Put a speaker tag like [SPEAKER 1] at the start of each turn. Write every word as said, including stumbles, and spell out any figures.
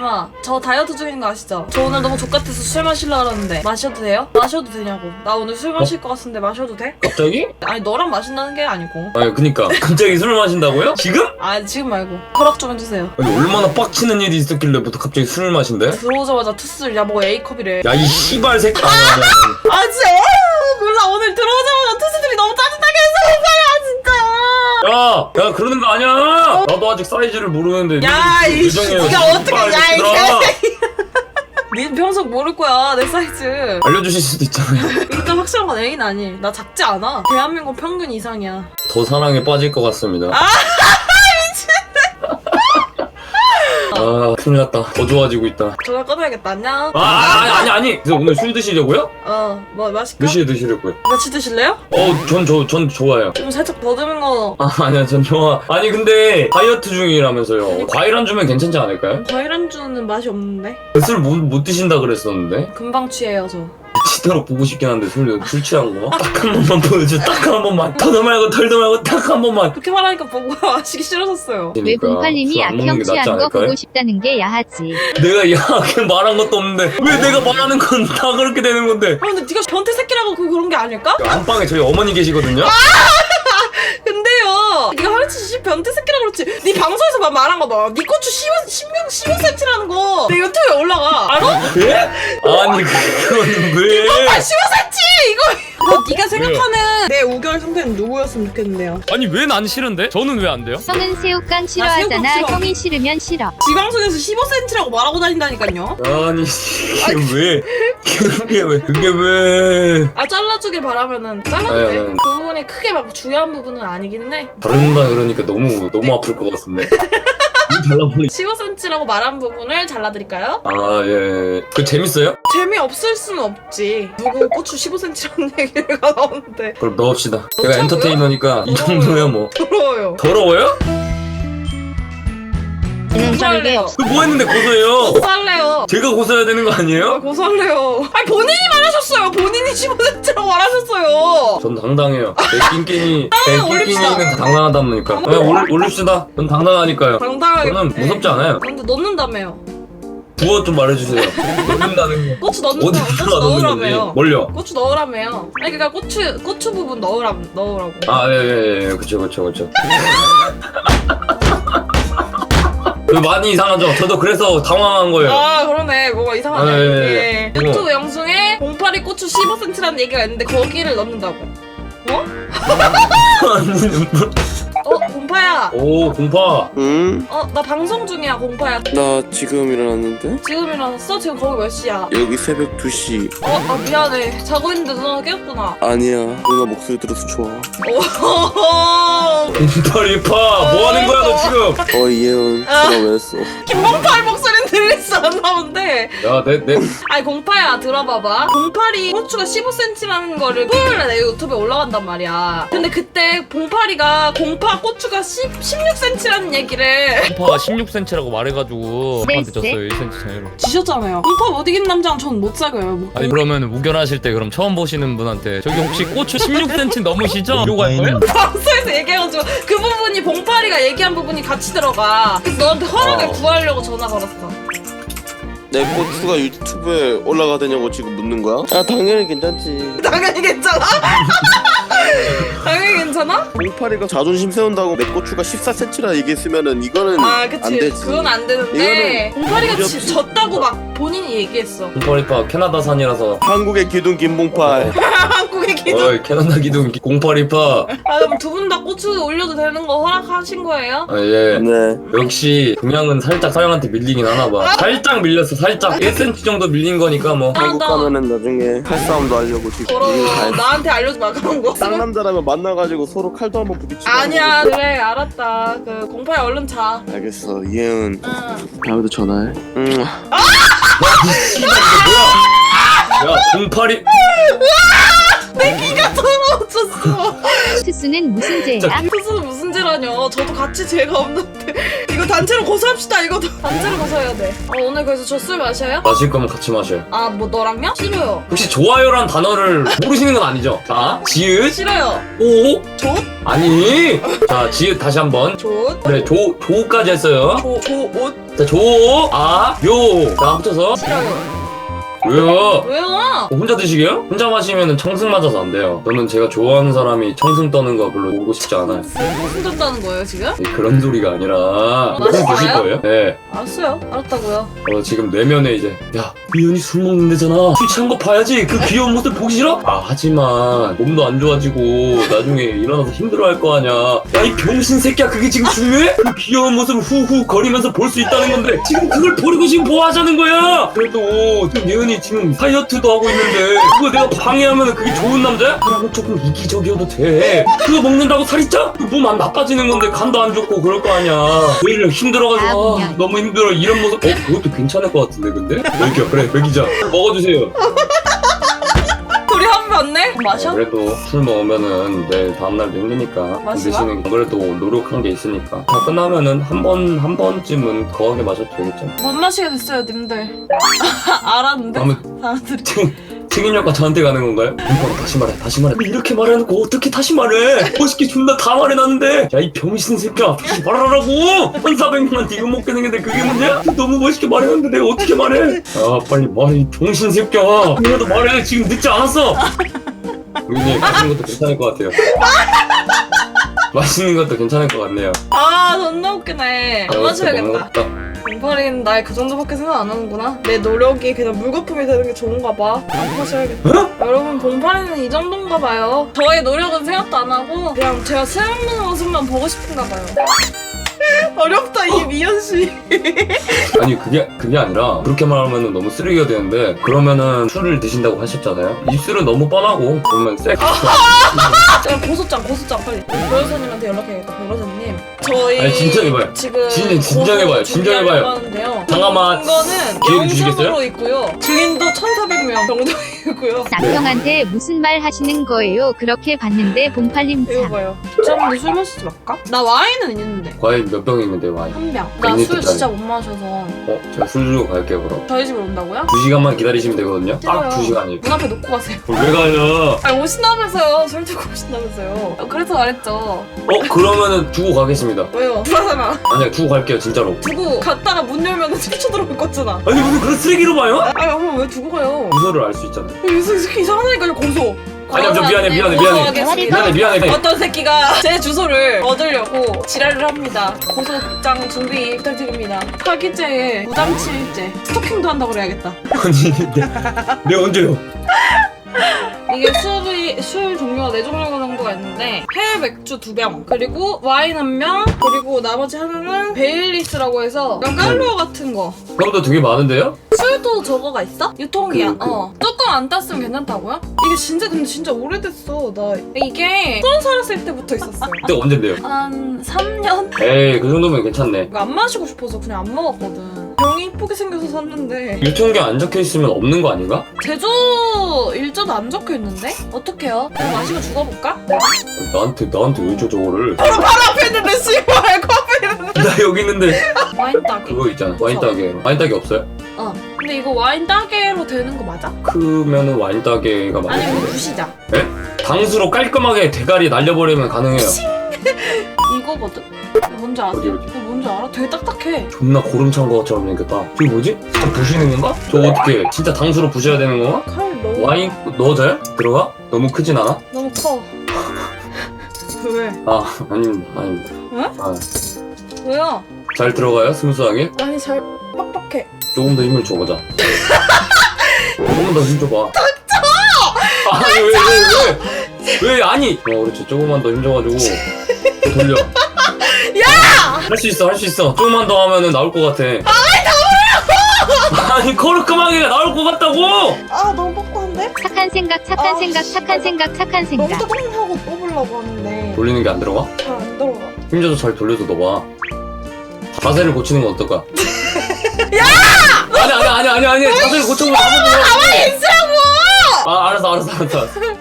[SPEAKER 1] 님아, 저 다이어트 중인 거 아시죠? 저 오늘 너무 족같아서 술 마시려고 그러는데 마셔도 돼요? 마셔도 되냐고. 나 오늘 술 마실 것 같은데 마셔도 돼?
[SPEAKER 2] 갑자기?
[SPEAKER 1] 아니 너랑 마신다는 게 아니고.
[SPEAKER 2] 아니 그니까 갑자기 술을 마신다고요? 지금?
[SPEAKER 1] 아 지금 말고 허락 좀 해주세요.
[SPEAKER 2] 아니 얼마나 빡치는 일이 있었길래부터 갑자기 술을 마신대?
[SPEAKER 1] 들어오자마자 투술. 야 뭐 A컵이래.
[SPEAKER 2] 야 이 씨발 새끼. 아,
[SPEAKER 1] 아 진짜 어, 몰라. 오늘 들어오자마자 투수들이 너무 짜증나게 해서
[SPEAKER 2] 야, 야 그러는 거 아니야. 나도 아직 사이즈를 모르는데.
[SPEAKER 1] 야 이씨 니가 어떻게 야이
[SPEAKER 2] 얘들아.
[SPEAKER 1] 니 평소 모를 거야 내 사이즈.
[SPEAKER 2] 알려주실 수도 있잖아요.
[SPEAKER 1] 일단 확실한 건 A는 아니. 나 작지 않아. 대한민국 평균 이상이야.
[SPEAKER 2] 더 사랑에 빠질 것 같습니다.
[SPEAKER 1] 아
[SPEAKER 2] 아 큰일 났다. 더 좋아지고 있다.
[SPEAKER 1] 전화 끊어야겠다. 안녕.
[SPEAKER 2] 아 아니 아니 아니. 그래서 오늘 술 드시려고요?
[SPEAKER 1] 어뭐 마실까?
[SPEAKER 2] 몇 시에 드시려고요?
[SPEAKER 1] 같이 드실래요?
[SPEAKER 2] 어 전 저 전 좋아요.
[SPEAKER 1] 좀 살짝 더듬은 거.
[SPEAKER 2] 아 아니야 전 좋아. 아니 근데 다이어트 중이라면서요. 과일 안 주면 괜찮지 않을까요?
[SPEAKER 1] 과일 안주는 맛이 없는데?
[SPEAKER 2] 술 못 못 드신다 그랬었는데.
[SPEAKER 1] 금방 취해요 저.
[SPEAKER 2] 치도록 보고 싶긴 한데 술, 술 취한 거? 딱 한 번만 보여줘. 딱 한 번만. 터도 말고 털도 말고 딱 한 번만.
[SPEAKER 1] 그렇게 말하니까 보고 마시기 싫어졌어요.
[SPEAKER 3] 왜 봉팔님이 악형 취한 거 보고 싶다는 게 야하지.
[SPEAKER 2] 내가 야하게 말한 것도 없는데 왜 내가 말하는 건 다 그렇게 되는 건데?
[SPEAKER 1] 아 근데 네가 변태 새끼라고 그 그런 게 아닐까?
[SPEAKER 2] 안방에 저희 어머니 계시거든요?
[SPEAKER 1] 근데요 네가 하루치 변태 새끼라 그렇지. 네 방송에서 막 말한 거 봐. 네 고추 십오 센티미터라는 거 내 유튜브에 올라가. 알아?
[SPEAKER 2] 예? 아니 그거는 왜?
[SPEAKER 1] 아 십오 센티미터 이거. 어, 네가 생각하는 내 우결 상태는 누구였으면 좋겠는데요?
[SPEAKER 4] 아니 왜 난 싫은데? 저는 왜 안 돼요?
[SPEAKER 3] 형은 새우깡 싫어하잖아.
[SPEAKER 1] 새우깡 싫어.
[SPEAKER 3] 형이 싫으면 싫어.
[SPEAKER 1] 지방송에서 십오 센티미터라고 말하고 다닌다니까요.
[SPEAKER 2] 아니 이게 왜? 그게 왜? 그게 왜?
[SPEAKER 1] 아 잘라주길 바라면은 잘라도
[SPEAKER 2] 아니,
[SPEAKER 1] 돼.
[SPEAKER 2] 아니.
[SPEAKER 1] 그 부분이 크게 막 중요한 부분은 아니기는 해.
[SPEAKER 2] 다른다 그러니까 너무 너무 아플 것 같은데. 달라보니.
[SPEAKER 1] 십오 센티미터라고 말한 부분을 잘라드릴까요?
[SPEAKER 2] 아 예. 그 재밌어요?
[SPEAKER 1] 재미없을 수는 없지. 누구 고추 십오 센티미터라는 얘기가 나오는데
[SPEAKER 2] 그럼 넣읍시다. 제가
[SPEAKER 1] 넣자고요?
[SPEAKER 2] 엔터테이너니까 이 정도야 뭐.
[SPEAKER 1] 더러워요.
[SPEAKER 2] 더러워요?
[SPEAKER 1] 고소할래요.
[SPEAKER 2] 그 뭐 했는데 고소해요?
[SPEAKER 1] 고소할래요.
[SPEAKER 2] 제가 고소해야 되는 거
[SPEAKER 1] 아,
[SPEAKER 2] 아니에요?
[SPEAKER 1] 고소할래요. 아니 본인이 말하셨어요. 본인이 십오 센티미터라고 말하셨어요.
[SPEAKER 2] 전 당당해요. 내 낑낑이, 내
[SPEAKER 1] 올립시다.
[SPEAKER 2] 낑낑이는 당당하다 보니까. 네, 올, 올립시다. 전 당당하니까요.
[SPEAKER 1] 당당하게.
[SPEAKER 2] 저는 무섭지 않아요.
[SPEAKER 1] 근데 넣는다며요.
[SPEAKER 2] 부어 좀 말해주세요. 넣는다는 게.
[SPEAKER 1] 고추 넣는다. 고추
[SPEAKER 2] 어디다가 넣는 건지.
[SPEAKER 1] 넣으라며요.
[SPEAKER 2] 뭘요?
[SPEAKER 1] 고추 넣으라며요. 아니 그니까 고추 고추 부분 넣으라 넣으라고.
[SPEAKER 2] 아, 예, 예, 예. 그쵸, 그쵸, 그쵸. 그 많이 이상하죠? 저도 그래서 당황한 거예요.
[SPEAKER 1] 아 그러네. 뭐가 이상하네.
[SPEAKER 2] 아, 예, 예,
[SPEAKER 1] 예.
[SPEAKER 2] 예.
[SPEAKER 1] 유튜브 영상에 공파리 고추 십오 센티미터라는 얘기가 있는데 거기를 넣는다고. 어? 어 공파야.
[SPEAKER 2] 오, 공파.
[SPEAKER 5] 응?
[SPEAKER 1] 어 나 방송 중이야 공파야.
[SPEAKER 5] 나 지금 일어났는데?
[SPEAKER 1] 지금 일어났어? 지금 거기 몇 시야?
[SPEAKER 5] 여기 새벽 두 시.
[SPEAKER 1] 어, 아 미안해. 자고 있는데 누나가 깨웠구나.
[SPEAKER 5] 아니야. 누나 목소리 들어서 좋아.
[SPEAKER 1] 오.
[SPEAKER 2] 공파리파. 뭐 하는 거야, 너 지금?
[SPEAKER 5] 어, 이혜은.
[SPEAKER 1] 아.
[SPEAKER 5] 전화 왜 했어?
[SPEAKER 1] 김봉팔 목소리는 들리지 않나 본데.
[SPEAKER 2] 야, 내, 내.
[SPEAKER 1] 아니 공파야 들어봐봐. 공파리 고추가 십오 센티미터라는 거를 토요일에 내 유튜브에 올라간단 말이야. 근데 그때 봉파리가 공파 고추가 십, 십육 센티미터라는 얘기를
[SPEAKER 4] 공파가 십육 센티미터라고 말해가지고 저한테
[SPEAKER 3] 네,
[SPEAKER 4] 졌어요 일 센티미터 차이로.
[SPEAKER 1] 지셨잖아요. 공파 못 이긴 남자는 전 못 사귀어요. 뭐.
[SPEAKER 4] 아니 그러면 우결하실 때 그럼 처음 보시는 분한테 저기 혹시 고추 십육 센티미터 넘으시죠? 이러고 할 거예요?
[SPEAKER 1] 방송에서 얘기해가지고 그 부분이 봉파리가 얘기한 부분이 같이 들어가. 그래서 너한테 허락을
[SPEAKER 2] 어.
[SPEAKER 1] 구하려고 전화 걸었어.
[SPEAKER 5] 내 고추가 유튜브에 올라가되냐고 지금 묻는 거야? 아, 당연히 괜찮지.
[SPEAKER 1] 당연히 괜찮아? 당연히 괜찮아?
[SPEAKER 5] 봉파리가 자존심 세운다고 내 고추가 십사 센티미터라 얘기했으면은 이거는
[SPEAKER 1] 아 그치.
[SPEAKER 5] 안 되지.
[SPEAKER 1] 그건 안 되는데
[SPEAKER 5] 이거는
[SPEAKER 1] 봉파리가
[SPEAKER 5] 문제
[SPEAKER 1] 지-
[SPEAKER 5] 없지.
[SPEAKER 1] 졌다고 막 본인이 얘기했어.
[SPEAKER 2] 공파리파 캐나다산이라서.
[SPEAKER 5] 한국의 기둥 김봉팔.
[SPEAKER 1] 한국의 기준.
[SPEAKER 2] 어이, 캐나다 기둥 공파리파.
[SPEAKER 1] 아 그럼 두 분 다 고추 올려도 되는 거 허락하신 거예요?
[SPEAKER 2] 아, 예.
[SPEAKER 5] 네.
[SPEAKER 2] 역시 동양은 살짝 서양한테 밀리긴 하나 봐. 살짝 밀렸어, 살짝. 일 센티미터 정도 밀린 거니까 뭐.
[SPEAKER 5] 한국
[SPEAKER 1] 나-
[SPEAKER 5] 가면은 나중에 칼싸움도 하려고 지금.
[SPEAKER 1] 더러워.
[SPEAKER 5] 이거 다 했어.
[SPEAKER 1] 나한테 알려주지 마 그런 거.
[SPEAKER 5] 쌍남자라면 만나가지고 서로 칼도 한번 부딪히고.
[SPEAKER 1] 아니야 그래 알았다. 그 공파야 얼른 자.
[SPEAKER 5] 알겠어. 이혜은.
[SPEAKER 1] 응.
[SPEAKER 5] 다음에도 전화해. 응.
[SPEAKER 2] 씨발, 이거 뭐야? 야, 공파리.
[SPEAKER 1] 내 귀가 더러워졌어.
[SPEAKER 3] 투수는 무슨 죄야?
[SPEAKER 1] 투수는 무슨 죄라뇨. 저도 같이 죄가 없는데 이거 단체로 고소합시다. 이거도 단체로 고소해야 돼. 어, 오늘 그래서 저 술 마셔요?
[SPEAKER 2] 마실 거면 같이 마셔요.
[SPEAKER 1] 아 뭐 너랑요? 싫어요.
[SPEAKER 2] 혹시 좋아요란 단어를 모르시는 건 아니죠? 자, 지읒,
[SPEAKER 1] 싫어요.
[SPEAKER 2] 오,
[SPEAKER 1] 조?
[SPEAKER 2] 아니. 자, 지읒 다시 한번.
[SPEAKER 1] 조?
[SPEAKER 2] 그래, 조, 조까지 했어요.
[SPEAKER 1] 조, 조, 옷?
[SPEAKER 2] 자, 조, 아, 요. 자, 합쳐서.
[SPEAKER 1] 싫어요.
[SPEAKER 2] 왜요?
[SPEAKER 1] 왜요?
[SPEAKER 2] 어, 혼자 드시게요? 혼자 마시면 청승 맞아서 안 돼요. 저는 제가 좋아하는 사람이 청승 떠는 거 별로 보고 싶지 않아요.
[SPEAKER 1] 무슨 졌다는 거예요 지금?
[SPEAKER 2] 네, 그런 소리가 아니라
[SPEAKER 1] 맛있어요?
[SPEAKER 2] 술 드실 거예요? 네.
[SPEAKER 1] 알았어요. 알았다고요.
[SPEAKER 2] 어, 지금 내면에 이제 야 미연이 술 먹는 데잖아. 술 취한 거 봐야지. 그 귀여운 모습 보기 싫어? 아 하지만 몸도 안 좋아지고 나중에 일어나서 힘들어할 거 아냐. 야 이 병신 새끼야 그게 지금 중요해? 그 귀여운 모습을 후후 거리면서 볼 수 있다는 건데 지금 그걸 버리고 지금 뭐 하자는 거야? 그래도 지금 예은이 지금 다이어트도 하고 있는데 그거 내가 방해하면 그게 좋은 남자야? 그러면 조금 이기적이어도 돼. 그거 먹는다고 살이 쪄? 몸 안 나빠지는 건데 간도 안 좋고 그럴 거 아니야. 매일 힘들어가지고 아, 너무 힘들어 이런 모습. 어 그것도 괜찮을 것 같은데 근데? 먹여 그래 먹이자. 먹어주세요.
[SPEAKER 1] 둘이 한 맞네? 마셔?
[SPEAKER 2] 어, 그래도 술 먹으면은 내일 다음날도 힘드니까
[SPEAKER 1] 마시마?
[SPEAKER 2] 대신에 안 그래도 노력한 게 있으니까 다 끝나면은 한 번 한 번쯤은 거하게 마셔도 되겠죠.
[SPEAKER 1] 못 마시게 됐어요 님들. 알았는데?
[SPEAKER 2] 다음에
[SPEAKER 1] 사람들이.
[SPEAKER 2] 책임력과 저한테 가는 건가요? 이번 다시 말해 다시 말해 이렇게 말해놓고 어떻게 다시 말해. 멋있게 존나 다 말해놨는데 야 이 병신 새끼야 다시 말하라고. 천사백 명 이거 먹게 생겼는데 그게 문제야? 너무 멋있게 말해놨는데 내가 어떻게 말해. 아 빨리 말해 이 병신 새끼야. 그래도 말해 지금 늦지 않았어. 우리님 맛있는 것도 괜찮을 것 같아요. 맛있는 것도 괜찮을 것 같네요.
[SPEAKER 1] 아 존나 웃기네. 안 마셔야겠다.
[SPEAKER 2] 먹었다.
[SPEAKER 1] 봉파리는 날 그 정도밖에 생각 안 하는구나. 내 노력이 그냥 물거품이 되는 게 좋은가 봐. 안 마셔야겠다.
[SPEAKER 2] 어?
[SPEAKER 1] 여러분 봉파리는 이 정도인가 봐요. 저의 노력은 생각도 안 하고 그냥 제가 술 먹는 모습만 보고 싶은가 봐요. 어렵다 이 미연 씨.
[SPEAKER 2] 아니 그게 그게 아니라 그렇게 말하면 너무 쓰레기가 되는데 그러면은 술을 드신다고 하셨잖아요. 입술은 너무 뻔하고 그러면 섹.
[SPEAKER 1] 제가 고소장 고소장 빨리 변호사님한테 연락해야겠다. 변호사님 저희
[SPEAKER 2] 아니, 진정해봐요.
[SPEAKER 1] 지금
[SPEAKER 2] 진- 진정해봐요. 진정해봐요.
[SPEAKER 1] 하는데요.
[SPEAKER 2] 잠깐만.
[SPEAKER 1] 이거는
[SPEAKER 2] 기회를 주시겠어요?
[SPEAKER 1] 영상으로 있고요. 증인도 천사백 명 정도 있고요.
[SPEAKER 3] 남편한테 무슨 말 하시는 거예요? 그렇게 봤는데 봉팔님
[SPEAKER 1] 이거
[SPEAKER 3] 참.
[SPEAKER 1] 봐요. 짬도 술 마시지 말까? 나 와인은 있는데
[SPEAKER 2] 과연 몇 병 있는데 와인?
[SPEAKER 1] 한 병. 나
[SPEAKER 2] 언니
[SPEAKER 1] 술
[SPEAKER 2] 뜻대로.
[SPEAKER 1] 진짜 못 마셔서.
[SPEAKER 2] 어? 제가 술 주고 갈게요 그럼.
[SPEAKER 1] 저희 집으로 온다고요?
[SPEAKER 2] 두 시간만 기다리시면 되거든요. 딱
[SPEAKER 1] 싫어요.
[SPEAKER 2] 두 시간이.
[SPEAKER 1] 문 앞에 놓고 가세요.
[SPEAKER 2] 왜 가요?
[SPEAKER 1] 아니 오신다면서요. 술 들고 오신다면서요. 어, 그래서 말했죠.
[SPEAKER 2] 어? 그러면은 두고 가겠습니다.
[SPEAKER 1] 왜요? 불하잖아.
[SPEAKER 2] 아니야 두고 갈게요 진짜로.
[SPEAKER 1] 두고 갔다가 문 열면 튀쳐 들어올 거잖아.
[SPEAKER 2] 아니 무슨 그런 쓰레기로 봐요?
[SPEAKER 1] 아니 엄마 왜 두고 가요?
[SPEAKER 2] 주소를 알 수 있잖아.
[SPEAKER 1] 이 새끼 이상하니까요 고소.
[SPEAKER 2] 아니야, 저 미안해, 미안해, 미안해. 미안해 미안해.
[SPEAKER 1] 어떤 새끼가 제 주소를 얻으려고 지랄을 합니다. 고소장 준비 부탁드립니다. 사기죄에 무장치일죄 스토킹도 한다고 그래야겠다.
[SPEAKER 2] 아니 내, 내 언제요?
[SPEAKER 1] 이게 술이 술 종류가 네 종류 정도가 있는데 해외 맥주 두 병 그리고 와인 한 명 그리고 나머지 하나는 베일리스라고 해서 약간 깔루어 같은 거.
[SPEAKER 2] 그럼도 되게 많은데요?
[SPEAKER 1] 술도 저거가 있어? 유통기한.
[SPEAKER 2] 그, 그.
[SPEAKER 1] 어. 뚜껑 안 땄으면 괜찮다고요? 이게 진짜 근데 진짜 오래됐어. 나 이게 서른 살았을 때부터 있었어요.
[SPEAKER 2] 그때 언젠데요?
[SPEAKER 1] 한 삼 년?
[SPEAKER 2] 에이 그 정도면 괜찮네.
[SPEAKER 1] 이거 안 마시고 싶어서 그냥 안 먹었거든. 병이 이쁘게 생겨서 샀는데
[SPEAKER 2] 유통기한 안 적혀 있으면 없는 거 아닌가?
[SPEAKER 1] 제조 일자도 안 적혀 있는데? 어떡해요? 그냥 마시고 죽어볼까?
[SPEAKER 2] 나한테 나한테 왜 줘 저거를?
[SPEAKER 1] 바로 앞에 있는데 씨발 코앞에 있는데
[SPEAKER 2] 나 여기 있는데
[SPEAKER 1] 와인 따개.
[SPEAKER 2] 그거 있잖아 와인 따개. 와인 따개 없어요?
[SPEAKER 1] 어. 근데 이거 와인 따개로 되는 거 맞아?
[SPEAKER 2] 크면은 와인 따개가
[SPEAKER 1] 아니
[SPEAKER 2] 맞을
[SPEAKER 1] 이거
[SPEAKER 2] 텐데.
[SPEAKER 1] 부시자.
[SPEAKER 2] 당수로 깔끔하게 대가리 날려버리면 가능해요.
[SPEAKER 1] 이거거든? 이거 뭔지 아세요?
[SPEAKER 2] 어디, 어디?
[SPEAKER 1] 이거 뭔지 알아? 되게 딱딱해.
[SPEAKER 2] 존나 고름 찬 것처럼 생겼다. 저게 뭐지? 진짜 부시는 건가? 저거 어떻게 진짜 당수로 부셔야 되는 건가?
[SPEAKER 1] 칼 너무
[SPEAKER 2] 와인 넣어줘요? 들어가? 너무 크진 않아?
[SPEAKER 1] 너무 커. 왜?
[SPEAKER 2] 아 아닙니다 아닙니다.
[SPEAKER 1] 응?
[SPEAKER 2] 아,
[SPEAKER 1] 왜요?
[SPEAKER 2] 잘 들어가요? 스무스하게?
[SPEAKER 1] 아니 잘 빡빡해. 조금
[SPEAKER 2] 조금 더 힘을 줘보자. 조금 더 힘 줘봐. 닥쳐! 아니 왜 왜 왜? 왜 아니? 어 그렇지 조금만 더 힘 줘가지고 돌려. 야! 할 수 있어 할 수 있어. 조금만 더 하면은 나올 것 같아. 아니 나오라고! 아니 거르크마개가 나올 것 같다고!
[SPEAKER 1] 아 너무 뻑뻑한데?
[SPEAKER 3] 착한 생각, 착한
[SPEAKER 1] 아,
[SPEAKER 3] 생각,
[SPEAKER 1] 씨.
[SPEAKER 3] 착한 생각, 착한
[SPEAKER 1] 너무
[SPEAKER 3] 생각.
[SPEAKER 1] 뜨거운하고 뽑으려고 하는데
[SPEAKER 2] 돌리는 게 안 들어가?
[SPEAKER 1] 잘 안 들어가.
[SPEAKER 2] 힘 줘서 잘 돌려서 넣어봐. 자세를 고치는 건 어떨까? 야! 아니 아니 아니 아니 아니 자세를 고쳐보면 가만히 있으라고! 아 알았어 알았어 알았어.